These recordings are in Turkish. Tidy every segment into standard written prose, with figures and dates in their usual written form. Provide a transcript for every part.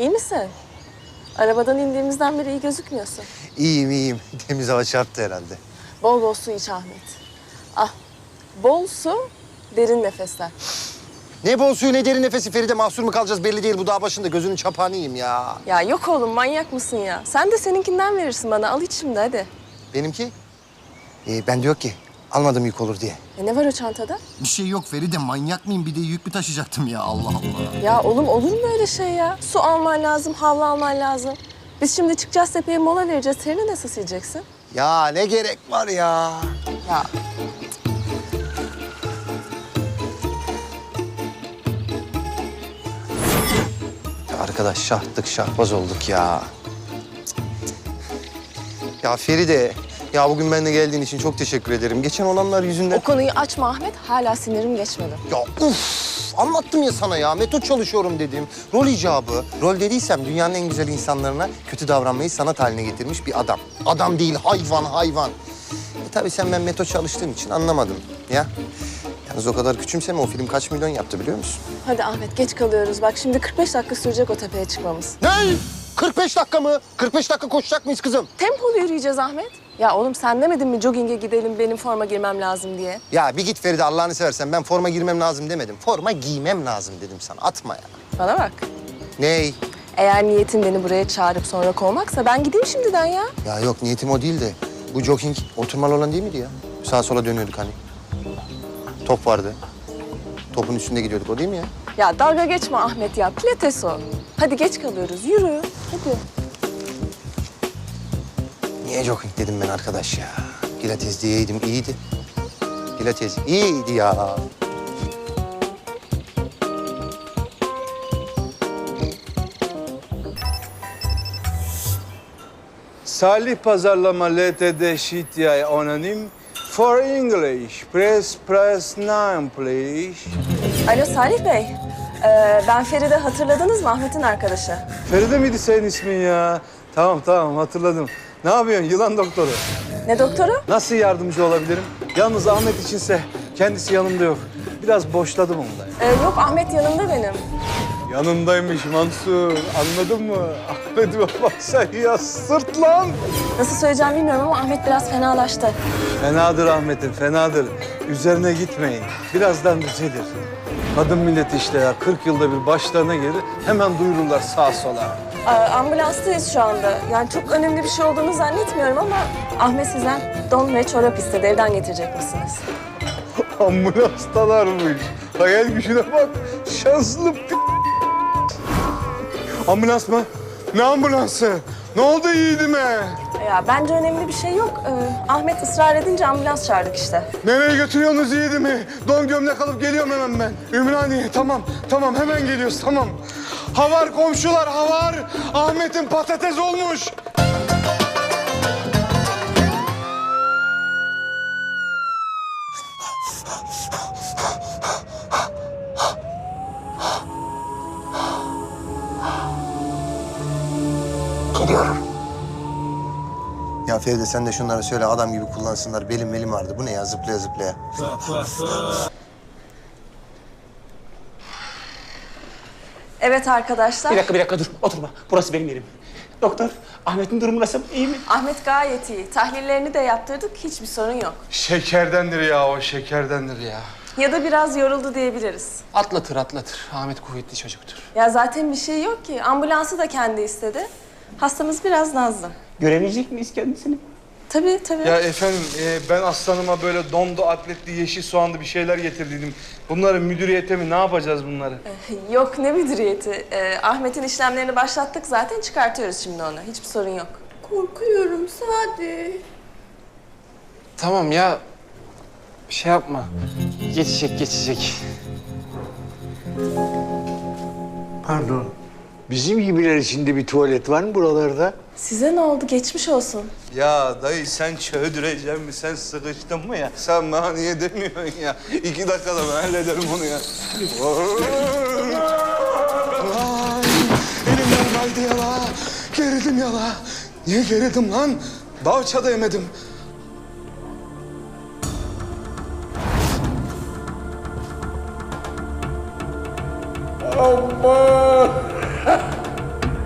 İyi misin? Arabadan indiğimizden beri iyi gözükmüyorsun. İyiyim, iyiyim. Temiz hava çarptı herhalde. Bol bol su iç Ahmet. Ah, bol su, derin nefesler. Ne bol suyu ne derin nefesi Feride. Mahsur mu kalacağız belli değil. Bu dağ başında gözünün çapağını yiyeyim ya. Ya yok oğlum, manyak mısın ya? Sen de seninkinden verirsin bana. Al iç şimdi hadi. Benimki? Ben diyor ki almadım yük olur diye. Ne var o çantada? Bir şey yok Feride. Manyak mıyım? Bir de yük mü taşıyacaktım ya? Allah Allah. Ya oğlum olur mu öyle şey ya? Su alman lazım, havlu alman lazım. Biz şimdi çıkacağız tepeye, mola vereceğiz. Terini nasıl sileceksin? Ya ne gerek var ya? Ya Arkadaş şahtık şahbaz olduk ya. Ya Feride, ya bugün benimle geldiğin için çok teşekkür ederim. Geçen olanlar yüzünden... o konuyu açma Ahmet. Hala sinirim geçmedi. Ya anlattım ya sana ya. Metot çalışıyorum dedim. Rol icabı. Rol dediysem dünyanın en güzel insanlarına kötü davranmayı sanat haline getirmiş bir adam. Adam değil, hayvan, hayvan. Tabii sen ben metot çalıştığım için anlamadım ya. Yalnız o kadar küçümseme, o film kaç milyon yaptı biliyor musun? Hadi Ahmet, geç kalıyoruz. Bak şimdi 45 dakika sürecek o tepeye çıkmamız. Ne? 45 dakika mı? 45 dakika koşacak mıyız kızım? Tempolu yürüyeceğiz Ahmet. Ya oğlum sen demedin mi jogging'e gidelim, benim forma girmem lazım diye? Ya bir git Feride, Allah'ını seversen. Ben forma girmem lazım demedim. Forma giymem lazım dedim sana. Atma ya. Bana bak. Ney? Eğer niyetin beni buraya çağırıp sonra kovmaksa ben gideyim şimdiden ya. Ya yok, niyetim o değil de. Bu jogging oturmalı olan değil miydi ya? Sağa sola dönüyorduk hani. Top vardı. Topun üstünde gidiyorduk, o değil mi ya? Ya dalga geçme Ahmet ya, pilates o. Hadi geç kalıyoruz, yürü. Hadi. Niye jogging dedim ben arkadaş ya? Pilates diyeydim, iyiydi. Pilates iyiydi ya. Salih Pazarlama LTD Şityay Anonim. For English, press 9 please. Alo Salih Bey. Ben Feride, hatırladınız mı Ahmet'in arkadaşı? Feride miydi senin ismin ya? Tamam hatırladım. Ne yapıyorsun yılan doktoru? Ne doktoru? Nasıl yardımcı olabilirim? Yalnız Ahmet içinse kendisi yanımda yok. Biraz boşladım onu da. Yok Ahmet yanımda benim. Yanındaymış Mansur. Anladın mı? Ahmet'e bak sen ya, sırt lan. Nasıl söyleyeceğim bilmiyorum ama Ahmet biraz fenalaştı. Fenadır Ahmet'im, fenadır. Üzerine gitmeyin. Birazdan düzelir. Kadın milleti işte ya, 40 yılda bir başlarına gelir, hemen duyururlar sağa sola. Ambulanstayız şu anda. Yani çok önemli bir şey olduğunu zannetmiyorum ama Ahmet sizden don ve çorap istedi. Evden getirecek misiniz? Ambulanstalarmış. Hayal gücüne bak. Şanslı Ambulans mı? Ne ambulansı? Ne oldu yiğidime? Ya bence önemli bir şey yok. Ahmet ısrar edince ambulans çağırdık işte. Nereye götürüyorsunuz yiğidimi? Don gömlek alıp geliyorum hemen ben. Ümraniye, tamam hemen geliyoruz, tamam. Havar komşular, havar. Ahmet'in patates olmuş. Geliyorum. Ya Feride sen de şunları söyle, adam gibi kullansınlar. Belim vardı. Bu ne ya, zıplaya zıplaya. Evet arkadaşlar. Bir dakika dur. Oturma. Burası benim yerim. Doktor, Ahmet'in durumu nasıl? İyi mi? Ahmet gayet iyi. Tahlillerini de yaptırdık. Hiçbir sorun yok. Şekerdendir ya o, şekerdendir ya. Ya da biraz yoruldu diyebiliriz. Atlatır. Ahmet kuvvetli çocuktur. Ya zaten bir şey yok ki. Ambulansı da kendi istedi. Hastamız biraz nazlı. Görebilecek miyiz kendisini? Tabii. Ya efendim ben aslanıma böyle dondu, atletli, yeşil soğanlı bir şeyler getirdiydim. Bunları müdüriyete mi, ne yapacağız bunları? Yok ne müdüriyeti. Ahmet'in işlemlerini başlattık zaten, çıkartıyoruz şimdi onu. Hiçbir sorun yok. Korkuyorum Sadi. Tamam ya. Bir şey yapma. Geçecek. Pardon. Bizim gibiler için de bir tuvalet var mı buralarda? Size ne oldu? Geçmiş olsun. Ya dayı sen çöldüreceğim mi? Sen sıkıştın mı ya? Sen bana niye demiyorsun ya? 2 dakikada ben hallederim onu ya. Ay, elimden kaydı yala. Gerildim yala. Niye gerildim lan? Davça da yemedim. Aman!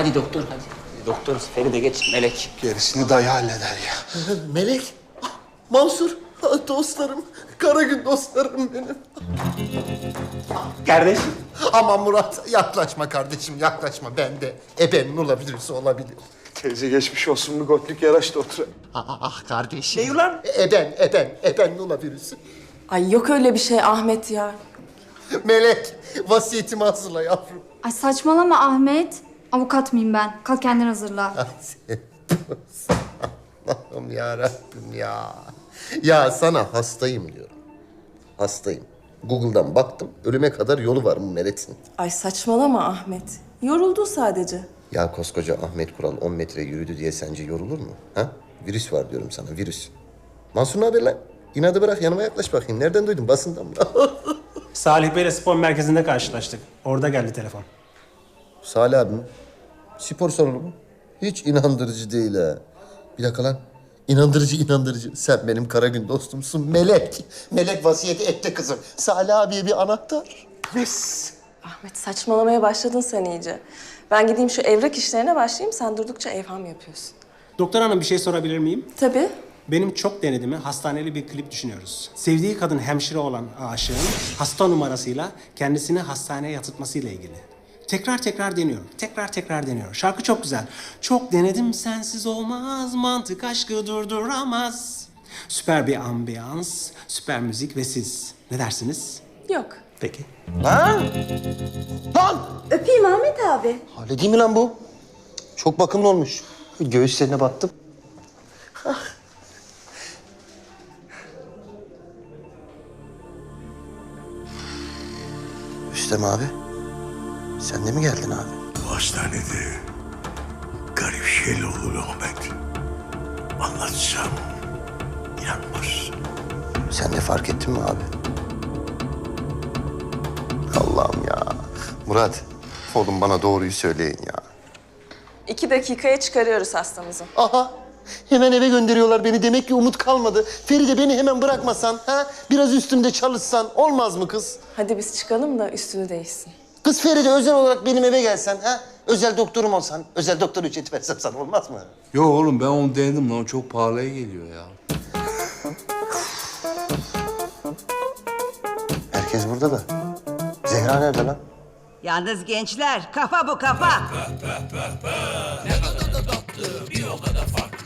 Hadi doktor hadi. Doktor Feride geç Melek. Gerisini dayı halleder ya. Melek, Mansur, dostlarım, Karagül dostlarım benim. Kardeş. Aman Murat, yaklaşma kardeşim, yaklaşma. Ben de ebenin olabilirse olabilir. Teyze geçmiş olsun, bir gotlik yaraştı otur. Ah kardeşim. Ne ulan? Eben olabilirsin. Ay yok öyle bir şey Ahmet ya. Melek, vasiyetimi hazırla yavrum. Ay saçmalama Ahmet. Avukat mıyım ben? Kalk kendin hazırla. Allah'ım yarabbim ya. Ya sana hastayım diyorum. Hastayım. Google'dan baktım, ölüme kadar yolu var mı Melek'in? Ay saçmalama Ahmet. Yoruldu sadece. Ya koskoca Ahmet Kural 10 metre yürüdü diye sence yorulur mu? Ha? Virüs var diyorum sana, virüs. Mansur ne haber lan? İnadı bırak, yanıma yaklaş bakayım. Nereden duydun? Basından mı? Salih Bey'le spor merkezinde karşılaştık. Orada geldi telefon. Salih abim, spor salonu mu? Hiç inandırıcı değil ha. Bir dakika lan. İnandırıcı. Sen benim Karagül dostumsun. Melek. Melek vasiyeti etti kızım. Salih abiye bir anahtar. Yes. Ahmet saçmalamaya başladın sen iyice. Ben gideyim şu evrak işlerine başlayayım. Sen durdukça evham yapıyorsun. Doktor hanım bir şey sorabilir miyim? Tabii. Benim çok denediğimi hastaneli bir klip düşünüyoruz. Sevdiği kadın hemşire olan aşığın hasta numarasıyla kendisini hastaneye yatırtmasıyla ilgili. Tekrar deniyor. Şarkı çok güzel. Çok denedim sensiz olmaz, mantık aşkı durduramaz. Süper bir ambiyans, süper müzik ve siz. Ne dersiniz? Yok. Peki. Lan! Lan! Öpeyim Ahmet abi. Hale değil mi lan bu? Çok bakımlı olmuş. Göğüslerine battım. Rüstem abi, sen de mi geldin abi? Bu hastanede garip şeyler olur Ahmet. Anlatsam inanmaz. Sen de fark ettin mi abi? Allah'ım ya. Murat, oğlum bana doğruyu söyleyin ya. 2 dakikaya çıkarıyoruz hastamızı. Aha, hemen eve gönderiyorlar beni. Demek ki umut kalmadı. Feride beni hemen bırakmasan, ha? Biraz üstümde çalışsan olmaz mı kız? Hadi biz çıkalım da üstünü değişsin. Kız Feride özel olarak benim eve gelsen, ha? Özel doktorum olsan, özel doktor ücreti versem sana olmaz mı? Yo oğlum ben onu denedim lan. Çok pahalıya geliyor ya. Herkes burada da. Zehra nerede lan? Yalnız gençler, kafa bu kafa.